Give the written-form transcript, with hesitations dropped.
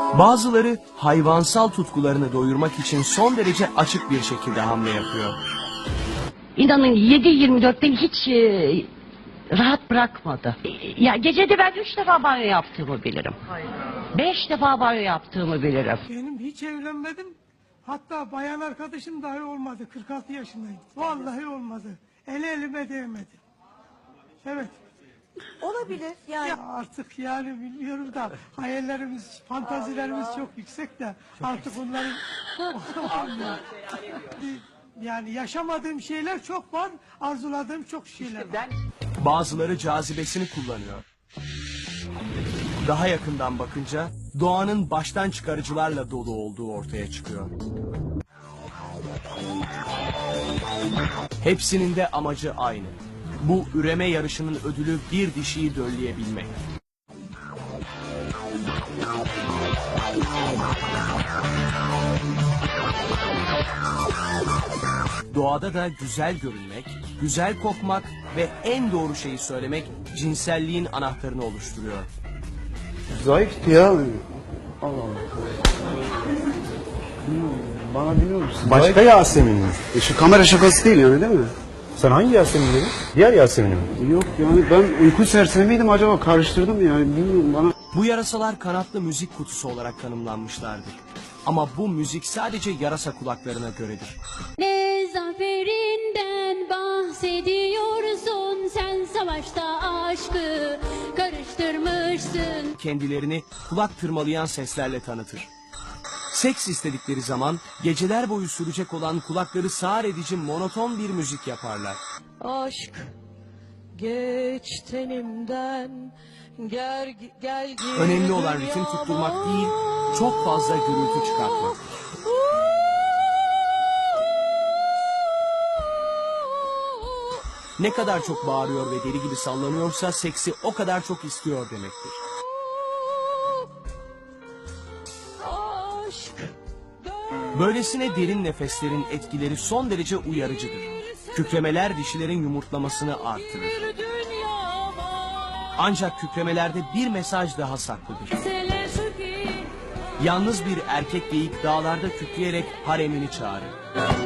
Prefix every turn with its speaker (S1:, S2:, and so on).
S1: Bazıları hayvansal tutkularını doyurmak için son derece açık bir şekilde hamle yapıyor.
S2: İnanın 7-24 beni hiç rahat bırakmadı. Ya gecede ben 3 defa banyo yaptığımı bilirim. 5 defa banyo yaptığımı bilirim.
S3: Benim hiç evlenmedim. Hatta bayan arkadaşım dahi olmadı. 46 yaşındayım. Vallahi olmadı. Elime değmedi. Evet.
S4: Olabilir yani.
S3: Ya artık yani bilmiyorum da hayallerimiz, fantazilerimiz çok yüksek de artık onların yani yaşamadığım şeyler çok var, arzuladığım çok şeyler var.
S1: Bazıları cazibesini kullanıyor. Daha yakından bakınca doğanın baştan çıkarıcılarla dolu olduğu ortaya çıkıyor. Hepsinin de amacı aynı. Bu üreme yarışının ödülü bir dişiyi dölleyebilmek. Doğada da güzel görünmek, güzel kokmak ve en doğru şeyi söylemek cinselliğin anahtarını oluşturuyor.
S5: Zayıftı ya. Allah Allah. Bana biliyor musun?
S6: Başka Yasemin mi?
S5: Şu kamera şakası değil yani değil mi?
S6: Sen hangi Yasemin dedin? Diğer Yasemin'i mi?
S5: Yok yani ben uyku sersemi miydim acaba, karıştırdım yani bilmiyorum bana.
S1: Bu yarasalar kanatlı müzik kutusu olarak tanımlanmışlardır. Ama bu müzik sadece yarasa kulaklarına göredir.
S7: Ne zaferinden bahsediyorsun, sen savaşta aşkı karıştırmışsın.
S1: Kendilerini kulak tırmalayan seslerle tanıtır. Seks istedikleri zaman geceler boyu sürecek olan kulakları sağır edici monoton bir müzik yaparlar.
S4: Aşk geç tenimden gel gel.
S1: Önemli olan ritim tutturmak değil, çok fazla gürültü çıkartmak. Ne kadar çok bağırıyor ve deli gibi sallanıyorsa seksi o kadar çok istiyor demektir. Böylesine derin nefeslerin etkileri son derece uyarıcıdır. Kükremeler dişilerin yumurtlamasını artırır. Ancak kükremelerde bir mesaj daha saklıdır. Yalnız bir erkek geyik dağlarda kükreyerek haremini çağırır.